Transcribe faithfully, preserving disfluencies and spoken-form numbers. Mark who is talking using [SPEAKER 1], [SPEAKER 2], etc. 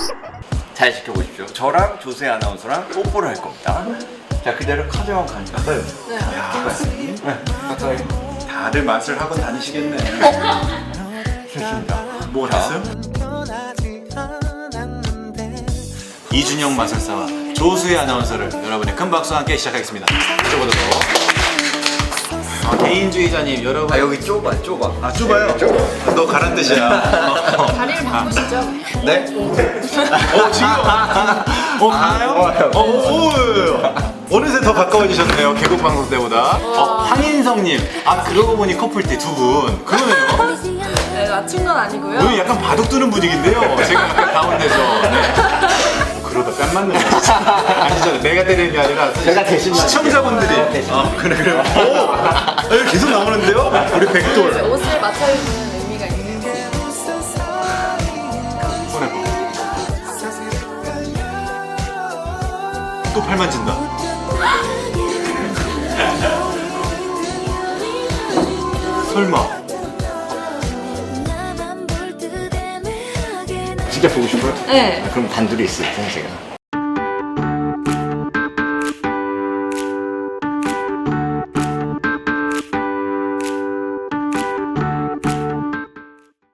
[SPEAKER 1] 잘 지켜보십시오. 저랑 조세 아나운서랑 뽀뽀를 할 겁니다. 자, 그대로 카드만 가니까.
[SPEAKER 2] 네.
[SPEAKER 1] 네, 가까이.
[SPEAKER 3] 다들 맛을 하고 다니시겠네.
[SPEAKER 1] 좋습니다.
[SPEAKER 3] 뭐
[SPEAKER 1] 자.
[SPEAKER 3] 됐어요? 이준영 마술사와 조수혜 아나운서를 여러분의 큰 박수와 함께 시작하겠습니다. 이쪽으로. 아, 개인주의자님 여러분.
[SPEAKER 1] 아, 여기 좁아, 좁아.
[SPEAKER 3] 아 좁아요?
[SPEAKER 1] 좁아.
[SPEAKER 3] 너 가란 뜻이야.
[SPEAKER 2] 다리를 바꾸시죠.
[SPEAKER 1] 네?
[SPEAKER 3] 어 지금 어 가요?
[SPEAKER 1] 좋아요.
[SPEAKER 3] 어, 오, 오, 어느새 더 가까워지셨네요. 개국 방송 때보다. 어, 황인성님. 아 그러고 보니 커플티 두 분. 그러네요.
[SPEAKER 2] 네, 맞춘 건 아니고요.
[SPEAKER 3] 오늘 약간 바둑 두는 분위기인데요. 제가 약간 가운데서. 네. 그러다 뺨 맞는 거 진짜. 아니죠. 내가 때리는 게 아니라
[SPEAKER 1] 제가 대신
[SPEAKER 3] 시청자분들이.
[SPEAKER 1] 맞아요. 대신.
[SPEAKER 3] 아 그래 그래. 오, 아, 이거 계속 나오는데요? 우리 백돌.
[SPEAKER 2] 옷을 맞춰주는 의미가 있는 거예요.
[SPEAKER 3] 보내봐. 또 팔 만진다. 설마.
[SPEAKER 1] 진짜 보고 싶어요?
[SPEAKER 2] 네.
[SPEAKER 1] 아, 그럼 단둘이 있을 때 제가.